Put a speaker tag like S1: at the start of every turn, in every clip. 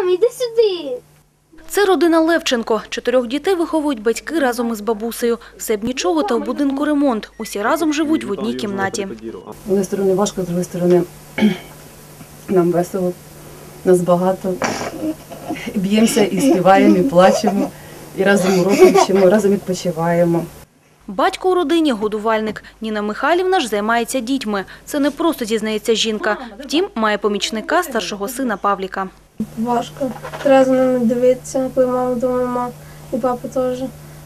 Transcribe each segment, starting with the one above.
S1: Мам, іди сюди.
S2: Це родина Левченко. 4 дітей виховують батьки разом із бабусею. Все б нічого, та в будинку ремонт. Усі разом живуть в одній кімнаті.
S3: З однієї сторони важко, з іншої сторони нам весело, нас багато. Б'ємося і співаємо, і плачемо, і разом уроки вчимо, разом відпочиваємо.
S2: Батько у родині – годувальник. Ніна Михайлівна ж займається дітьми. Це не просто, зізнається жінка. Втім, має помічника старшого сина Павліка.
S4: Важко. Треба за ними дивитися, коли мама вдома, і папа теж.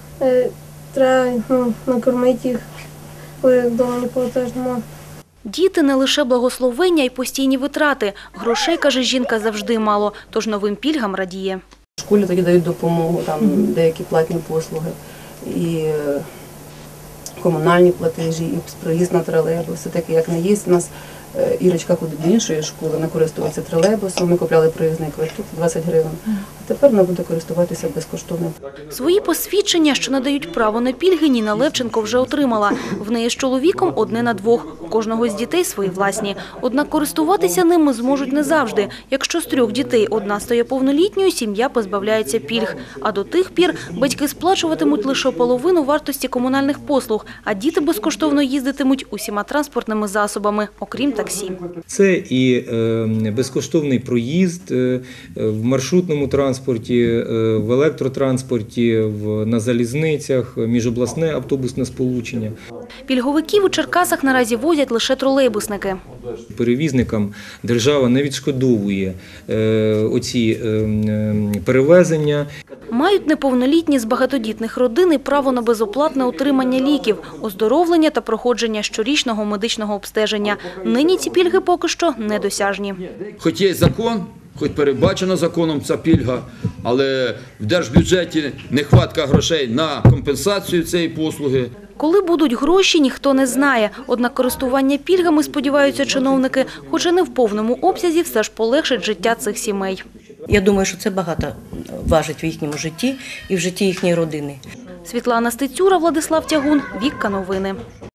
S4: Треба накормити їх, коли вдома нікого теж немає.
S2: Діти – не лише благословення й постійні витрати. Грошей, каже жінка, завжди мало, тож новим пільгам радіє.
S3: В школі тоді дають допомогу, там деякі платні послуги, і комунальні платежі, і проїзд на тролейбус. Все-таки, як не є, у нас Ірочка ходить до іншої школи, вона користується тролейбусом, ми купляли проїзний квиток 20 гривень, а тепер вона буде користуватися безкоштовно.
S2: Свої посвідчення, що надають право на пільги, Ніна Левченко вже отримала. В неї з чоловіком одне на двох. У кожного з дітей свої власні. Однак користуватися ними зможуть не завжди. Якщо з 3 дітей одна стає повнолітньою, сім'я позбавляється пільг. А до тих пір батьки сплачуватимуть лише половину вартості комунальних послуг, а діти безкоштовно їздитимуть усіма транспортними засобами, окрім таксі.
S5: Це і безкоштовний проїзд в маршрутному транспорті, в електротранспорті, на залізницях, міжобласне автобусне сполучення.
S2: Пільговиків у Черкасах наразі возять лише тролейбусники.
S5: Перевізникам держава не відшкодовує оці перевезення.
S2: Мають неповнолітні з багатодітних родин і право на безоплатне отримання ліків, оздоровлення та проходження щорічного медичного обстеження. Нині ці пільги поки що недосяжні.
S6: Хоч є закон, хоч передбачено законом ця пільга, але в держбюджеті нехватка грошей на компенсацію цієї послуги.
S2: Коли будуть гроші, ніхто не знає. Однак користування пільгами, сподіваються чиновники, хоча не в повному обсязі, все ж полегшить життя цих сімей.
S7: Я думаю, що це багато важить в їхньому житті і в житті їхньої родини.
S2: Світлана Стецюра, Владислав Тягун, Вікка Новини.